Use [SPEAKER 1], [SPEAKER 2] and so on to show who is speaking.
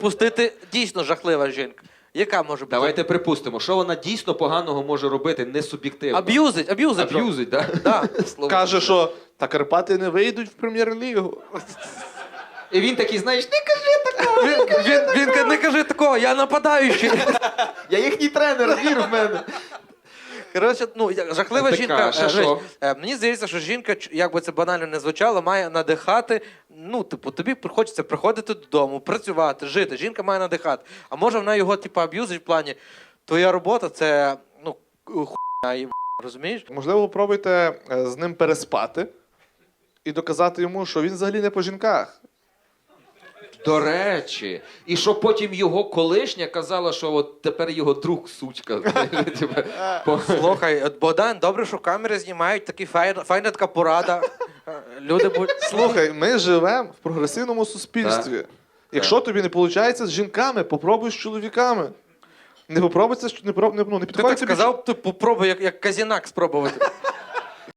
[SPEAKER 1] пустити дійсно жахлива жінка. Яка може бути?
[SPEAKER 2] Давайте припустимо, що вона дійсно поганого може робити, не суб'єктивно.
[SPEAKER 1] Аб'юзить.
[SPEAKER 2] Аб'юзить, так?
[SPEAKER 1] Да, слово.
[SPEAKER 3] Каже, що та Карпати не вийдуть в прем'єр-лігу.
[SPEAKER 2] І він такий, знаєш, не кажи такого.
[SPEAKER 1] Він не каже такого, я нападаючий.
[SPEAKER 2] Я їхній тренер, вір в мене.
[SPEAKER 1] Коротше, жахлива
[SPEAKER 2] Така,
[SPEAKER 1] жінка.
[SPEAKER 2] ще що?
[SPEAKER 1] Мені здається, що жінка, як би це банально не звучало, має надихати. Тобі хочеться приходити додому, працювати, жити. Жінка має надихати. А може вона його, аб'юзить в плані, твоя робота це, хуйня і розумієш?
[SPEAKER 3] Можливо, пробуйте з ним переспати і доказати йому, що він взагалі не по жінках.
[SPEAKER 2] До речі. І що потім його колишня казала, що от тепер його друг сучка.
[SPEAKER 1] Слухай, Богдан, добре, що камери знімають, такі файна така порада. Люди будуть...
[SPEAKER 3] Слухай, ми живемо в прогресивному суспільстві.
[SPEAKER 2] Так.
[SPEAKER 3] Якщо тобі не виходить з жінками, попробуй з чоловіками. Не попробуй це, не
[SPEAKER 1] Ти
[SPEAKER 3] підходить
[SPEAKER 1] так
[SPEAKER 3] тобі.
[SPEAKER 1] сказав, ти попробуй, як Казінак спробувати.